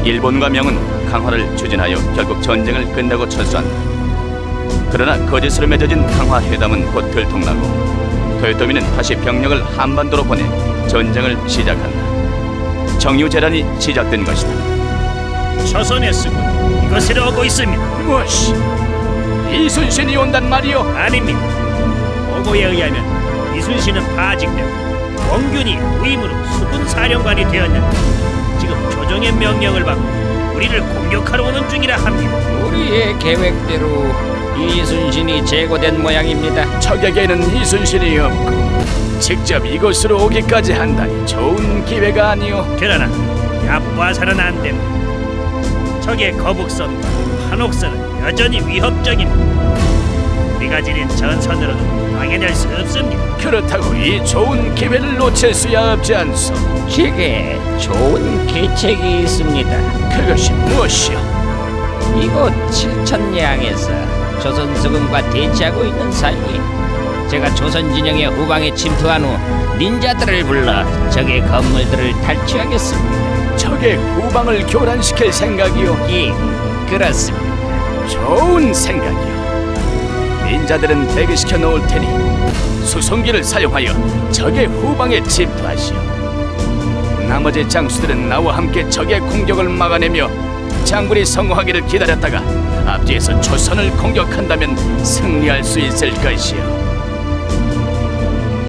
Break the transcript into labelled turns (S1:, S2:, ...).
S1: 일본과 명은 강화를 추진하여 결국 전쟁을 끝내고 철수한다. 그러나 거짓으로 맺어진 강화 회담은 곧 들통나고 토요토미는 다시 병력을 한반도로 보내 전쟁을 시작한다. 정유재란이 시작된 것이다.
S2: 조선의 수군 이것을 오고 있습니다.
S1: 무엇이? 이순신이 온단 말이오?
S2: 아닙니다. 보고에 의하면 이순신은 파직되고 원균이 후임으로 수군 사령관이 되었는데 지금 조정의 명령을 받고 우리를 공격하러 오는 중이라 합니다.
S3: 우리의 계획대로 이순신이 제거된 모양입니다.
S1: 적에게는 이순신이 없고 직접 이곳으로 오기까지 한다니 좋은 기회가 아니오.
S2: 그러나 야부아사는 안 됩니다. 적의 거북선과 한옥선은 여전히 위협적입니다. 우리가 지닌 전선으로는 방해될 수 없습니다.
S1: 그렇다고 이 좋은 기회를 놓칠 수야 없지 않소.
S3: 제게 좋은 계책이 있습니다.
S1: 그것이 무엇이오?
S3: 이곳 칠천량에서 조선 수군과 대치하고 있는 사이에 제가 조선 진영의 후방에 침투한 후 닌자들을 불러 적의 건물들을 탈취하겠습니다.
S1: 적의 후방을 교란시킬 생각이오.
S3: 예, 그렇습니다.
S1: 좋은 생각이오. 닌자들은 대기시켜 놓을 테니 수송기를 사용하여 적의 후방에 침투하시오. 나머지 장수들은 나와 함께 적의 공격을 막아내며 장군이 성공하기를 기다렸다가 앞뒤에서 조선을 공격한다면 승리할 수 있을 것이오.